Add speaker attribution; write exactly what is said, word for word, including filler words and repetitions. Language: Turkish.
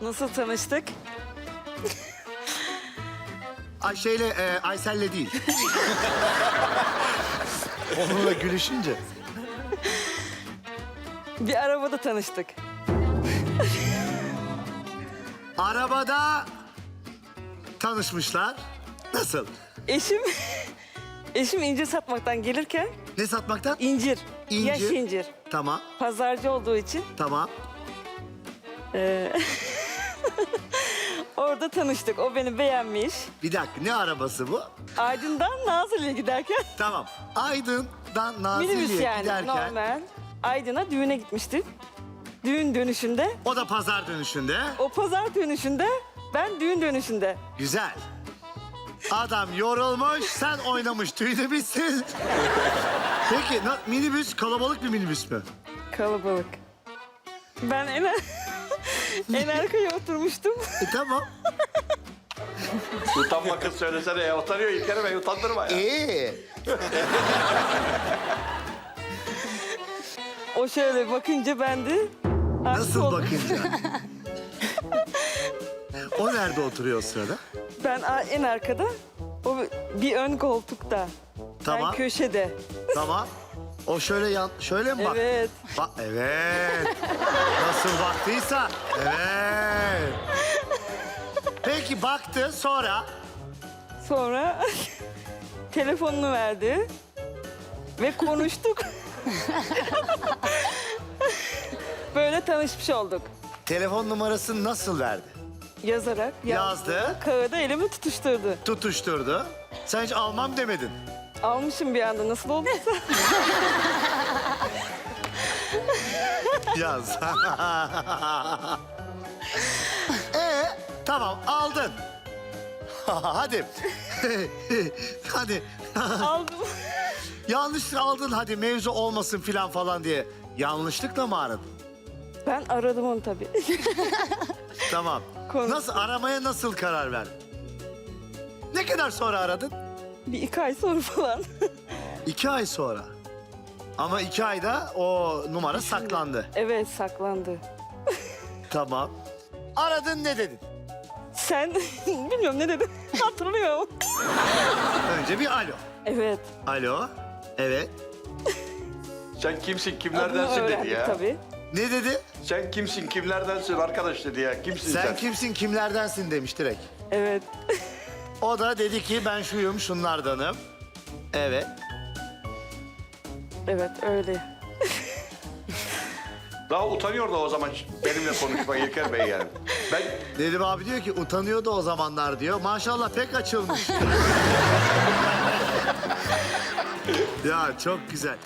Speaker 1: Nasıl tanıştık?
Speaker 2: Ayşe'yle, e, Aysel'le değil. Onunla gülüşünce.
Speaker 1: Bir arabada tanıştık.
Speaker 2: Arabada tanışmışlar. Nasıl?
Speaker 1: Eşim, eşim incir satmaktan gelirken
Speaker 2: Ne satmaktan?
Speaker 1: incir,
Speaker 2: İncir.
Speaker 1: yaş incir.
Speaker 2: Tamam,
Speaker 1: Pazarcı olduğu için
Speaker 2: tamam.
Speaker 1: orada tanıştık. O beni beğenmiş.
Speaker 2: Bir dakika, ne arabası bu?
Speaker 1: Aydın'dan Nazilli'ye giderken,
Speaker 2: Tamam. Aydın'dan Nazilli'ye
Speaker 1: minibüs yani
Speaker 2: giderken...
Speaker 1: normal. Aydın'a düğüne gitmiştik. Düğün dönüşünde,
Speaker 2: O da pazar dönüşünde.
Speaker 1: o pazar dönüşünde, ben düğün dönüşünde.
Speaker 2: Güzel. Adam yorulmuş, sen oynamış, tüyünü bitsin. Peki, na- minibüs kalabalık bir minibüs mü?
Speaker 1: Kalabalık. Ben en, en arkaya oturmuştum.
Speaker 2: E, tamam.
Speaker 3: Utanma kız söylesene ya. Utanıyor İlker Bey, utandırma ya.
Speaker 2: Ee,
Speaker 1: O şöyle bakınca ben de aşık
Speaker 2: nasıl
Speaker 1: oldum.
Speaker 2: bakınca? O nerede oturuyor o sırada?
Speaker 1: Ben a- en arkada, o bir ön koltukta.
Speaker 2: Tamam.
Speaker 1: Ben köşede.
Speaker 2: Tamam. O şöyle yan, şöyle mi bak?
Speaker 1: Evet.
Speaker 2: Bak, evet. Nasıl baktıysa, evet. Peki baktı, sonra
Speaker 1: Sonra telefonunu verdi ve konuştuk. Böyle tanışmış olduk.
Speaker 2: telefon numarasını nasıl verdi?
Speaker 1: Yazarak
Speaker 2: Yazdı.
Speaker 1: Kağıda elimi tutuşturdu.
Speaker 2: Tutuşturdu. Sen hiç almam demedin.
Speaker 1: Almışım bir anda, nasıl olduysa.
Speaker 2: Yaz. Ee, tamam aldın. Hadi. Hadi.
Speaker 1: Aldım.
Speaker 2: Yanlış aldın hadi mevzu olmasın filan falan diye. Yanlışlıkla mı aradın?
Speaker 1: Ben aradım onu tabii.
Speaker 2: Tamam.
Speaker 1: Konuştuk.
Speaker 2: Nasıl aramaya nasıl karar verdin? Ne kadar sonra aradın?
Speaker 1: Bir iki ay sonra falan.
Speaker 2: İki ay sonra. Ama iki ayda o numara saklandı.
Speaker 1: Evet, saklandı.
Speaker 2: Tamam. Aradın ne dedin?
Speaker 1: Sen, bilmiyorum ne dedim, hatırlıyorum.
Speaker 2: Önce bir alo.
Speaker 1: Evet,
Speaker 2: Alo. Evet.
Speaker 3: Sen kimsin,
Speaker 1: adını
Speaker 3: kimlerdensin dedi
Speaker 1: öğrendik
Speaker 3: ya.
Speaker 1: tabii.
Speaker 2: Ne dedi?
Speaker 3: Sen kimsin, kimlerdensin arkadaş dedi ya. Kimsin sen?
Speaker 2: Sen kimsin, kimlerdensin demiş direkt.
Speaker 1: Evet,
Speaker 2: O da dedi ki ben şuyum, şunlardanım. Evet.
Speaker 1: evet öyle.
Speaker 3: Daha utanıyordu o zaman benimle konuşmaya İlker Bey yani. Ben
Speaker 2: Dedim abi diyor ki utanıyordu o zamanlar diyor. Maşallah pek açılmış. Ya çok güzel.